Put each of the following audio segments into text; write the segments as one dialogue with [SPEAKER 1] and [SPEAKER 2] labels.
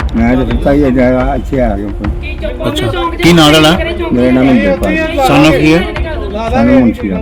[SPEAKER 1] मैं तो पता ही है अच्छे आ गए
[SPEAKER 2] अच्छा की नाम वाला
[SPEAKER 1] मेरा नाम इंद्रपाल
[SPEAKER 2] सन ऑफ की है
[SPEAKER 1] सानू मुंशी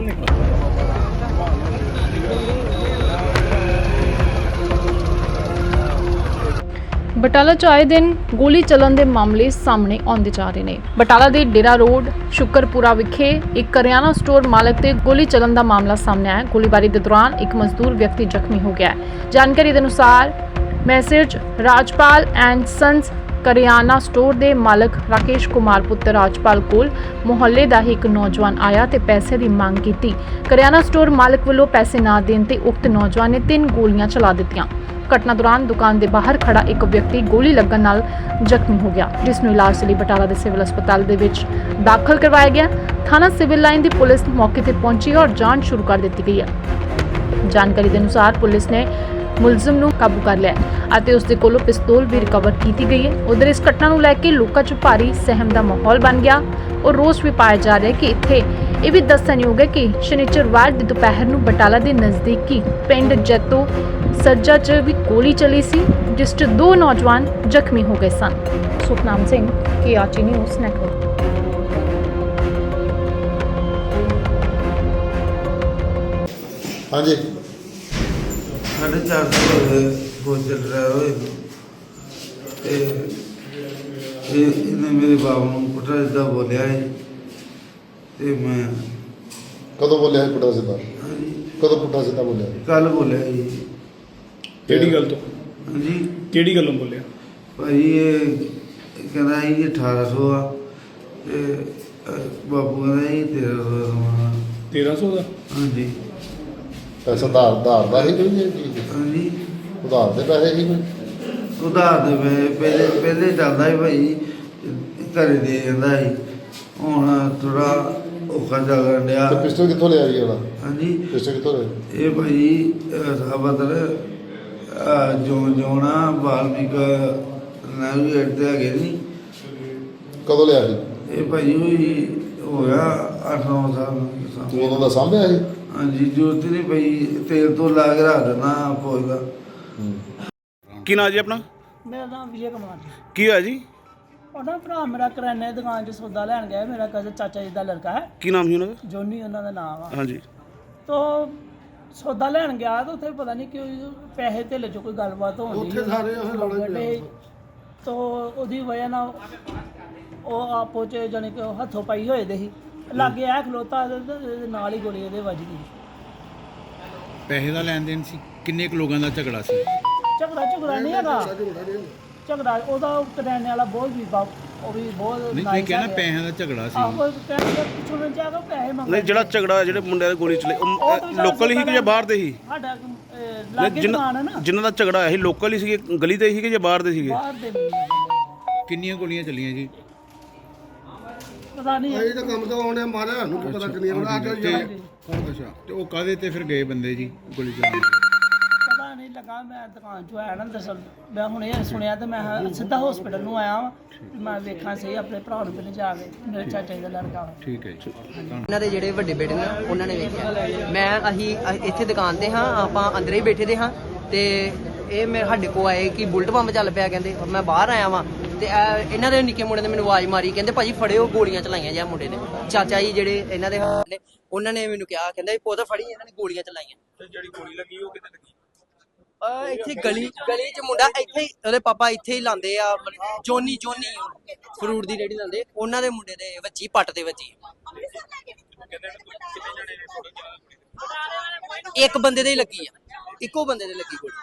[SPEAKER 3] ਬਟਾਲਾ 'ਚ ਆਏ ਦਿਨ ਗੋਲੀ ਚੱਲਣ ਦੇ ਮਾਮਲੇ ਸਾਹਮਣੇ ਆਉਂਦੇ ਜਾ ਰਹੇ ਨੇ। ਬਟਾਲਾ ਦੇ ਡੇਰਾ ਰੋਡ ਸ਼ੁਕਰਪੁਰਾ ਵਿਖੇ ਇੱਕ ਕਰਿਆਨਾ ਸਟੋਰ ਮਾਲਕ ਤੇ ਗੋਲੀ ਚੱਲਣ ਦਾ ਮਾਮਲਾ ਸਾਹਮਣੇ ਆਇਆ। ਗੋਲੀਬਾਰੀ ਦੇ ਦੌਰਾਨ ਇੱਕ ਮਜ਼ਦੂਰ ਵਿਅਕਤੀ ਜ਼ਖਮੀ ਹੋ ਗਿਆ ਹੈ। ਜਾਣਕਾਰੀ ਦੇ ਅਨੁਸਾਰ ਮੈਸੇਜ ਰਾਜਪਾਲ ਐਂਡ ਸੰਸ ਕਰਿਆਨਾ ਸਟੋਰ ਦੇ ਮਾਲਕ ਰਾਕੇਸ਼ ਕੁਮਾਰ ਪੁੱਤਰ ਰਾਜਪਾਲ ਕੋਲ ਮੁਹੱਲੇ ਦਾ ਹੀ ਇੱਕ ਨੌਜਵਾਨ ਆਇਆ ਤੇ ਪੈਸੇ ਦੀ ਮੰਗ ਕੀਤੀ। ਕਰਿਆਨਾ ਸਟੋਰ ਮਾਲਕ ਵੱਲੋਂ ਪੈਸੇ ਨਾ ਦੇਣ ਤੇ ਉਕਤ ਨੌਜਵਾਨ ਨੇ 3 ਗੋਲੀਆਂ ਚਲਾ ਦਿੱਤੀਆਂ। ਘਟਨਾ ਦੌਰਾਨ ਦੁਕਾਨ ਦੇ ਬਾਹਰ ਖੜਾ ਇੱਕ ਵਿਅਕਤੀ ਗੋਲੀ ਲੱਗਣ ਨਾਲ ਜ਼ਖਮੀ ਹੋ ਗਿਆ, ਜਿਸ ਨੂੰ ਇਲਾਜ ਲਈ ਬਟਾਲਾ ਦੇ ਸਿਵਲ ਹਸਪਤਾਲ ਦੇ ਵਿੱਚ ਦਾਖਲ ਕਰਵਾਇਆ ਗਿਆ। ਥਾਣਾ ਸਿਵਲ ਲਾਈਨ ਦੀ ਪੁਲਿਸ ਮੌਕੇ ਤੇ ਪਹੁੰਚੀ ਔਰ ਜਾਂਚ ਸ਼ੁਰੂ ਕਰ ਦਿੱਤੀ ਗਈ ਹੈ। ਜਾਣਕਾਰੀ ਦੇ ਅਨੁਸਾਰ ਪੁਲਿਸ ਨੇ ਮੁਲਜ਼ਮ ਨੂੰ ਕਾਬੂ ਕਰ ਲਿਆ ਅਤੇ ਉਸ ਦੇ ਕੋਲੋਂ ਪਿਸਤੌਲ ਵੀ ਰਿਕਵਰ ਕੀਤੀ ਗਈ ਹੈ। ਉਧਰ ਇਸ ਘਟਨਾ ਨੂੰ ਲੈ ਕੇ ਲੋਕਾਂ 'ਚ ਭਾਰੀ ਸਹਿਮ ਦਾ ਮਾਹੌਲ ਬਣ ਗਿਆ ਔਰ ਰੋਸ ਵੀ ਪਾਇਆ ਜਾ ਰਿਹਾ ਹੈ ਕਿ ਇੱਥੇ ਇਹ ਵੀ ਦੱਸਣਯੋਗ ਹੈ ਕਿ ਸ਼ਨੀਚਰਵਾਰ ਦੀ ਦੁਪਹਿਰ ਨੂੰ ਬਟਾਲਾ ਦੇ ਨਜ਼ਦੀਕੀ ਪਿੰਡ ਜੈਤੋ ਸੱਜਾ 'ਚ ਵੀ ਗੋਲੀ ਚੱਲੀ ਸੀ, ਜਿਸ 'ਚ 2 ਨੌਜਵਾਨ ਜ਼ਖਮੀ ਹੋ ਗਏ ਸਨ। Sukhnam Singh KRT news network.
[SPEAKER 4] हाँ जी
[SPEAKER 5] 4:30 बहुत चल रहा है इन्हें मेरे बाबू को पुट्ठा सीधा बोलिया है ते मैं
[SPEAKER 4] कदों बोलिया है पुट्ठा सीधा कदों पुट्ठा सीधा बोलिया
[SPEAKER 5] कल बोलिया जी
[SPEAKER 2] ਕਿਹੜੀ ਗੱਲ ਤੋਂ
[SPEAKER 5] हाँ जी
[SPEAKER 2] ਕਿਹੜੀ ਗੱਲੋਂ ਬੋਲਿਆ
[SPEAKER 5] भाई ये कहना है जी 1800 आ ते बाबू कहना है 1300 समान
[SPEAKER 2] 1300 ਦਾ
[SPEAKER 5] हाँ जी
[SPEAKER 4] पैसा उधार का ही कोई नहीं
[SPEAKER 5] हाँ जी
[SPEAKER 4] उधार के पैसे ही कोई
[SPEAKER 5] उधार दे पहले चलता है भाई घरे दे जाता है हूँ थोड़ा औखा चल रहा
[SPEAKER 4] तो पिस्टल कितों ले आई वाला
[SPEAKER 5] हाँ जी
[SPEAKER 4] पिस्टल कितों ले
[SPEAKER 5] ये भाई साबतर जोना वाल्मीक नैविगेट ते है नहीं
[SPEAKER 4] कदों ले आई
[SPEAKER 5] ये भाई हुई हो गया 8-9 साल
[SPEAKER 4] तू उदों दा सामने आई
[SPEAKER 5] हाँ जी जरूरत ही नहीं भाई तेल तो ला के रख देना फौज का
[SPEAKER 2] ਕੀ ਨਾਂ ਜੀ ਆਪਣਾ
[SPEAKER 6] ਮੇਰਾ ਨਾਮ ਵਿਜੇ ਕੁਮਾਰ ਜੀ।
[SPEAKER 2] ਕੀ ਹੋਇਆ ਜੀ
[SPEAKER 6] ਉਹਦਾ ਭਰਾ ਮੇਰਾ ਕਰਿਆਨੇ ਦੀ ਦੁਕਾਨ 'ਚ ਸੌਦਾ ਲੈਣ ਗਿਆ। ਮੇਰਾ ਕਜ਼ਨ ਚਾਚਾ ਜੀ ਦਾ ਲੜਕਾ ਹੈ,
[SPEAKER 2] ਕੀ ਨਾਮ ਸੀ ਉਹਨਾਂ ਦਾ
[SPEAKER 6] ਜੋਨੀ ਉਹਨਾਂ ਦਾ ਨਾਮ ਆ।
[SPEAKER 2] ਹਾਂਜੀ
[SPEAKER 6] ਤੋ ਸੌਦਾ ਲੈਣ ਗਿਆ ਤਾਂ ਉੱਥੇ ਪਤਾ ਨਹੀਂ ਕਿਉਂ ਪੈਸੇ ਧੇਲੇ 'ਚ ਕੋਈ ਗੱਲਬਾਤ ਹੋਣੀ ਉੱਥੇ ਸਾਰੇ ਤੋ ਉਹਦੀ ਵਜ੍ਹਾ ਨਾਲ ਉਹ ਆਪੋ 'ਚ ਜਾਣੀ ਕਿ ਹੱਥੋਂ ਪਾਈ ਹੋਏ ਦੇ ਸੀ। ਲਾਗੇ ਆ ਖਲੋਤਾ ਤੇ ਨਾਲ ਹੀ ਗੋਲੀ ਇਹਦੇ ਵੱਜ ਗਈ।
[SPEAKER 2] ਪੈਸੇ ਦਾ ਲੈਣ ਦੇਣ ਸੀ ਕਿੰਨੇ ਕੁ ਲੋਕਾਂ ਦਾ ਝਗੜਾ ਸੀ
[SPEAKER 6] ਝਗੜਾ ਨਹੀਂ ਹੈਗਾ। ਝਗੜਾ ਉਹਦਾ ਕਰਿਆਨੇ ਵਾਲਾ ਬਹੁਤ ਵੀ ਉਹ ਵੀ ਬਹੁਤ
[SPEAKER 2] ਨਹੀਂ ਤੁਸੀਂ ਕਹਿਣਾ ਪੈਸਿਆਂ ਦਾ ਝਗੜਾ ਸੀ
[SPEAKER 6] ਆਹੋ ਕਹਿੰਦੇ ਪਿੱਛੋਂ ਜਾ ਕੇ ਪੈਸੇ ਮੰਗਦੇ।
[SPEAKER 2] ਨਹੀਂ ਜਿਹੜਾ ਝਗੜਾ ਜਿਹੜੇ ਮੁੰਡਿਆਂ ਦੀ ਗੋਲੀ ਚਲੇ ਲੋਕਲ ਹੀ ਕਿ ਜਾਂ ਬਾਹਰ ਦੇ ਸੀ
[SPEAKER 6] ਸਾਡਾ ਲਾਗੇ ਦੁਕਾਨ ਹੈ ਨਾ,
[SPEAKER 2] ਜਿਨ੍ਹਾਂ ਦਾ ਝਗੜਾ ਹੋਇਆ ਸੀ ਲੋਕਲ ਹੀ ਸੀਗੇ ਗਲੀ ਦੇ ਸੀਗੇ ਜਾਂ ਬਾਹਰ ਦੇ ਸੀਗੇ
[SPEAKER 6] ਬਾਹਰ ਦੇ ਵੀ
[SPEAKER 2] ਕਿੰਨੀਆਂ ਗੋਲੀਆਂ ਚੱਲੀਆਂ ਜੀ
[SPEAKER 6] ਪਤਾ ਨਹੀਂ
[SPEAKER 4] ਇਹ ਤਾਂ ਕੰਮ ਤੋਂ ਆਉਣੇ ਮਾਰਿਆ ਸਾਨੂੰ ਕੀ ਪਤਾ ਕਿੰਨੀਆਂ ਆ ਕੇ
[SPEAKER 2] ਅੱਛਾ ਤੇ ਉਹ ਕਾਹਦੇ ਤੇ ਫਿਰ ਗਏ ਬੰਦੇ ਜੀ ਗੋਲੀ ਚਲਾਉਣ
[SPEAKER 6] ਪਤਾ ਨਹੀਂ ਲੱਗਾ। ਮੈਂ ਦੁਕਾਨ 'ਚੋਂ ਆਇਆ ਨਾ ਦਰਅਸਲ ਮੈਂ ਹੁਣ ਇਹ ਸੁਣਿਆ ਤੇ ਮੈਂ ਸਿੱਧਾ ਹਸਪੀਟਲ ਨੂੰ ਆਇਆ ਵਾਂ। ਮੈਂ ਵੇਖਾਂ ਸਹੀ ਆਪਣੇ ਭਰਾ ਨੂੰ ਪਹਿਲੇ ਜਾ ਕੇ ਮੇਰੇ ਚਾਚਾ ਜੀ ਦਾ ਲੜਕਾ ਵਾ।
[SPEAKER 2] ਠੀਕ ਹੈ ਜੀ
[SPEAKER 7] ਇਹਨਾਂ ਦੇ ਜਿਹੜੇ ਵੱਡੇ ਬੇਟੇ ਨੇ ਉਹਨਾਂ ਨੇ ਵੇਖਿਆ। ਅਸੀਂ ਇੱਥੇ ਦੁਕਾਨ ਤੇ ਹਾਂ, ਆਪਾਂ ਅੰਦਰ ਹੀ ਬੈਠੇ ਦੇ ਹਾਂ ਤੇ ਇਹ ਮੇਰੇ ਸਾਡੇ ਕੋਲ ਆਏ ਕਿ ਬੁਲਟ ਪੰਪ ਚੱਲ ਪਿਆ। ਕਹਿੰਦੇ ਮੈਂ ਬਾਹਰ ਆਇਆ ਵਾਂ ਤੇ ਇਹਨਾਂ ਦੇ ਨਿੱਕੇ ਮੁੰਡੇ ਨੇ ਮੈਨੂੰ ਆਵਾਜ਼ ਮਾਰੀ, ਕਹਿੰਦੇ ਭਾਜੀ ਫੜਿਓ ਗੋਲੀਆਂ ਚਲਾਈਆਂ ਜਾਂ ਮੁੰਡੇ ਨੇ। ਚਾਚਾ ਜੀ ਜਿਹੜੇ ਇਹਨਾਂ ਦੇ ਨੇ ਉਹਨਾਂ ਨੇ ਮੈਨੂੰ ਕਿਹਾ, ਕਹਿੰਦਾ ਇਹ ਪੁੱਤ ਫੜੀ ਇਹਨਾਂ ਨੇ ਗੋਲੀਆਂ ਚਲਾਈਆਂ। ਤੇ ਜਿਹੜੀ ਗੋਲੀ ਲੱਗੀ ਉਹ ਕਿੱਥੇ ਲੱਗੀ? ਇੱਥੇ ਗਲੀ 'ਚ ਮੁੰਡਾ ਇੱਥੇ ਹੀ ਉਹਦੇ ਪਾਪਾ ਇੱਥੇ ਹੀ ਲਾਉਂਦੇ ਆ, ਜੋਨੀ ਫਰੂਟ ਦੀ ਰੇਹੜੀ ਲਾਉਂਦੇ, ਉਹਨਾਂ ਦੇ ਮੁੰਡੇ ਦੇ ਵੱਜੀ ਪੱਟ ਦੇ ਵੱਜੀ। ਇੱਕ ਬੰਦੇ ਦੇ ਹੀ ਲੱਗੀ ਆ, ਇੱਕੋ ਬੰਦੇ ਦੇ ਲੱਗੀ ਗੋਲੀ।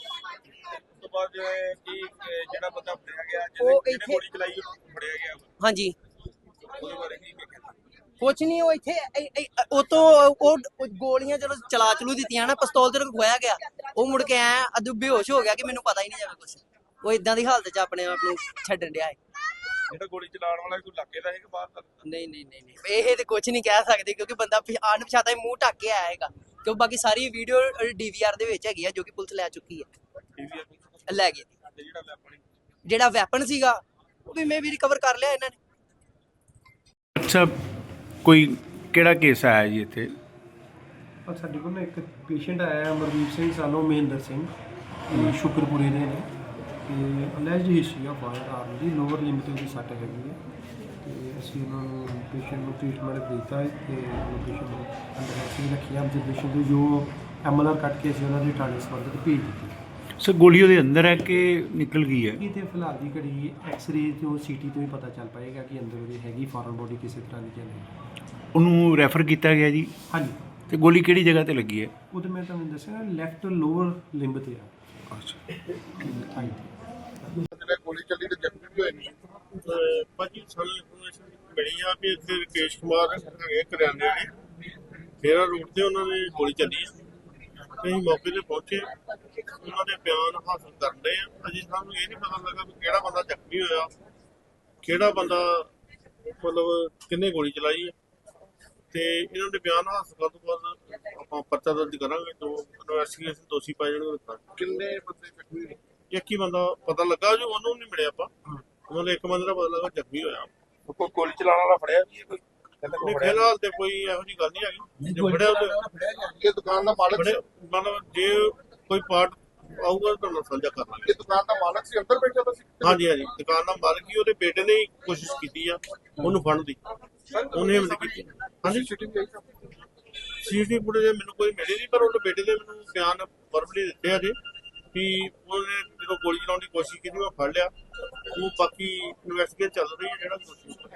[SPEAKER 2] ਜਿਹੜਾ ਬੰਦਾ ਫੜਿਆ ਗਿਆ
[SPEAKER 7] ਉਹ ਇੱਥੇ
[SPEAKER 2] ਗੋਲੀ ਚਲਾਈ ਫੜਿਆ ਗਿਆ
[SPEAKER 7] ਹਾਂਜੀ
[SPEAKER 2] ਉਹਦੇ ਬਾਰੇ ਕੀ
[SPEAKER 7] ਕੁਛ ਨਹੀਂ। ਉਹ ਇੱਥੇ ਉਹ ਗੋਲੀਆਂ ਜਦੋਂ ਚਲੂ ਦਿੱਤੀਆਂ ਨਾ, ਪਿਸਤੌਲ ਤੇ ਖੋਇਆ ਗਿਆ। ਉਹ ਮੁੜ ਕੇ ਆਇਆ ਅਦੂ ਬੇਹੋਸ਼ ਹੋ ਗਿਆ ਕਿ ਮੈਨੂੰ ਪਤਾ ਹੀ ਨਹੀਂ ਜਾਵੇ ਕੁਛ। ਉਹ ਇਦਾਂ ਦੀ ਹਾਲਤ 'ਚ ਆਪਣੇ ਆਪ ਨੂੰ ਛੱਡਣ ਡਿਆ ਹੈ।
[SPEAKER 2] ਜਿਹੜਾ ਗੋਲੀ ਚਲਾਉਣ ਵਾਲਾ ਕੋਈ ਲੱਗੇ ਦਾ ਹੈ ਕਿ ਬਾਹਰ ਦਾ?
[SPEAKER 7] ਨਹੀਂ ਇਹ ਤੇ ਕੁਛ ਨਹੀਂ ਕਹਿ ਸਕਦੇ ਕਿਉਂਕਿ ਬੰਦਾ ਅਣਪਛਾਤਾ ਮੂੰਹ ਢੱਕ ਕੇ ਆਇਆ ਹੈਗਾ। ਕਿਉਂਕਿ ਬਾਕੀ ਸਾਰੀ ਵੀਡੀਓ DVR ਦੇ ਵਿੱਚ ਹੈਗੀ ਆ ਜੋ ਕਿ ਪੁਲਿਸ ਲੈ ਚੁੱਕੀ ਹੈ, ਲੈ ਗਈ। ਜਿਹੜਾ ਵੈਪਨ ਸੀਗਾ ਉਹ ਵੀ ਮੈਂ ਵੀ ਰਿਕਵਰ ਕਰ ਲਿਆ ਇਹਨਾਂ ਨੇ।
[SPEAKER 2] ਅੱਛਾ ਕੋਈ ਕਿਹੜਾ ਕੇਸ ਆਇਆ ਜੀ ਇੱਥੇ?
[SPEAKER 8] ਪਰ ਸਾਡੇ ਕੋਲ ਨਾ ਇੱਕ ਪੇਸ਼ੈਂਟ ਆਇਆ ਅਮਰਦੀਪ ਸਿੰਘ ਸਾਨੂੰ ਮਹਿੰਦਰ ਸਿੰਘ ਸ਼ੁਕਰਪੁਰੇ ਦੇ ਨੇ ਤੇ ਅਲੈਜਡ ਹਿਸਟਰੀ ਆ ਫਾਇਰ ਆਰਮ ਦੀ ਲੋਅਰ ਲਿਮਿਟ ਦੀ ਸੱਟ ਹੈਗੀ ਹੈ ਤੇ ਅਸੀਂ ਉਹਨਾਂ ਨੂੰ ਪੇਸ਼ੈਂਟ ਨੂੰ ਟ੍ਰੀਟਮੈਂਟ ਦਿੱਤਾ ਹੈ ਤੇ ਪੇਸ਼ੈਂਟ ਨੂੰ ਅੰਦਰ ਅਸੀਂ ਰੱਖਿਆ ਆਬਜ਼ਰਵੇਸ਼ਨ ਦੇ ਜੋ ਐਮਐਲਆਰ ਕੱਟ ਕੇ ਅਸੀਂ ਉਹਨਾਂ ਦੀ ਥਾਣੇ ਸੰਬੰਧਿਤ ਭੇਜ ਦਿੱਤੀ।
[SPEAKER 2] ਸਰ ਗੋਲੀ ਉਹਦੇ ਅੰਦਰ ਹੈ ਕਿ ਨਿਕਲ ਗਈ ਹੈ?
[SPEAKER 8] ਇਹ ਤੇ ਫਿਲਹਾਲ ਦੀ ਘੜੀ ਐਕਸ-ਰੇ ਤੋਂ ਸੀਟੀ ਤੋਂ ਹੀ ਪਤਾ ਚੱਲ ਪਾਏਗਾ ਕਿ ਅੰਦਰ ਉਹਦੀ ਹੈਗੀ ਫੋਰਨ ਬੋਡੀ ਕਿਸੇ ਤਰ੍ਹਾਂ ਦੀ ਜਾਂ ਨਹੀਂ।
[SPEAKER 2] ਉਹਨੂੰ ਰੈਫਰ ਕੀਤਾ ਗਿਆ ਜੀ?
[SPEAKER 8] ਹਾਂਜੀ।
[SPEAKER 2] ਤੇ ਗੋਲੀ ਕਿਹੜੀ ਜਗ੍ਹਾ ਤੇ ਲੱਗੀ ਹੈ?
[SPEAKER 8] ਉਹ ਤਾਂ ਮੈਂ ਤੁਹਾਨੂੰ ਦੱਸਿਆ ਲੈਫਟ ਲੋਅਰ ਲਿੰਬ ਤੇ ਆ।
[SPEAKER 2] ਅੱਛਾ।
[SPEAKER 8] ਥਾਈ
[SPEAKER 4] ਜਿਹੜੇ ਗੋਲੀ ਚੱਲੀ ਤੇ ਜ਼ਖਮੀ ਵੀ ਹੋਏ ਨੇ।
[SPEAKER 9] ਭਾਜੀ ਸਾਨੂੰ ਇਨਫੋਰਮੇਸ਼ਨ ਮਿਲੀ ਆ ਵੀ ਇੱਥੇ ਰਕੇਸ਼ ਕੁਮਾਰ ਹੈਗੇ ਕਰਿਆਨੇ ਦੇ ਫੇਰਾ ਰੋਡ ਤੇ ਉਹਨਾਂ ਨੇ ਗੋਲੀ ਚੱਲੀ ਆ ਤੇ ਅਸੀਂ ਮੌਕੇ ਤੇ ਪਹੁੰਚੇ ਉਹਨਾਂ ਦੇ ਬਿਆਨ ਹਾਸਲ ਕਰਨ ਦੇ ਆ। ਅਜੇ ਸਾਨੂੰ ਇਹ ਨਹੀਂ ਪਤਾ ਲੱਗਾ ਵੀ ਕਿਹੜਾ ਬੰਦਾ ਜ਼ਖਮੀ ਹੋਇਆ ਕਿਹੜਾ ਬੰਦਾ ਮਤਲਬ ਕਿੰਨੇ ਗੋਲੀ ਚਲਾਈ ਹੈ ਤੇ ਇਹਨਾਂ ਦੇ ਬਿਆਨ ਹਾਸਲ ਕਰਨ ਤੋਂ ਬਾਅਦ ਆਪਾਂ ਪਰਚਾ ਦਰਜ ਕਰਾਂਗੇ ਜੋ ਇਨਵੈਸਟੀਗੇਸ਼ਨ ਦੋਸ਼ੀ ਪਾਏ ਜਾਣਗੇ।
[SPEAKER 4] ਕਿੰਨੇ ਬੰਦੇ ਜ਼ਖਮੀ ਹੋਏ?
[SPEAKER 9] ਇੱਕ ਹੀ ਬੰਦਾ ਪਤਾ ਲੱਗਾ ਜੋ ਉਹਨੂੰ ਨਹੀਂ ਮਿਲਿਆ ਆਪਾਂ ਉਹਨਾਂ ਦੇ ਇੱਕ ਬੰਦੇ ਦਾ ਪਤਾ ਲੱਗਾ ਜ਼ਖਮੀ ਹੋਇਆ।
[SPEAKER 4] ਕੋਈ ਗੋਲੀ ਚਲਾਉਣ ਵਾਲਾ ਫੜਿਆ ਵੀ ਕੋਈ?
[SPEAKER 9] ਨਹੀਂ ਫਿਲਹਾਲ ਤੇ ਕੋਈ ਇਹੋ ਜਿਹੀ ਗੱਲ ਨਹੀਂ ਹੈਗੀ। ਜੇ ਫੜਿਆ
[SPEAKER 4] ਇਹ ਦੁਕਾਨ ਦਾ ਮਾਲਕ ਸੀ?
[SPEAKER 9] ਮਤਲਬ ਜੇ ਕੋਈ ਪਾਰਟ ਆਊਗਾ ਤਾਂ ਤੁਹਾਨੂੰ ਸਾਂਝਾ ਕਰ ਲਾਂਗੇ।
[SPEAKER 4] ਇਹ ਦੁਕਾਨ ਦਾ ਮਾਲਕ ਸੀ ਅੰਦਰ ਬੈਠਾ ਸੀ?
[SPEAKER 9] ਹਾਂਜੀ ਹਾਂਜੀ ਦੁਕਾਨ ਦਾ ਮਾਲਕ ਹੀ ਉਹਦੇ ਬੇਟੇ ਨੇ ਹੀ ਕੋਸ਼ਿਸ਼ ਕੀਤੀ ਆ ਉਹਨੂੰ ਫੜਨ ਦੀ ਉਹਨੇ ਹਿੰਮਤ ਕੀਤੀ। ਹਾਂਜੀ ਸੀਸੀਟੀਵੀ ਫੁਟੇਜ ਮੈਨੂੰ ਕੋਈ ਮਿਲੀ ਨਹੀਂ ਪਰ ਉਹਦੇ ਬੇਟੇ ਦੇ ਮੈਨੂੰ ਬਿਆਨ ਵਰਬਲੀ ਦਿੱਤੇ ਆ ਜੀ ਕਿ ਉਹਨੇ ਜਦੋਂ ਗੋਲੀ ਚਲਾਉਣ ਦੀ ਕੋਸ਼ਿਸ਼ ਕੀਤੀ ਮੈਂ ਫੜ ਲਿਆ। ਉਹ ਬਾਕੀ ਇਨਵੈਸਟੀਗੇਸ਼ਨ ਚੱਲ ਰਹੀ ਹੈ ਜਿਹੜਾ ਦੋਸ਼ੀ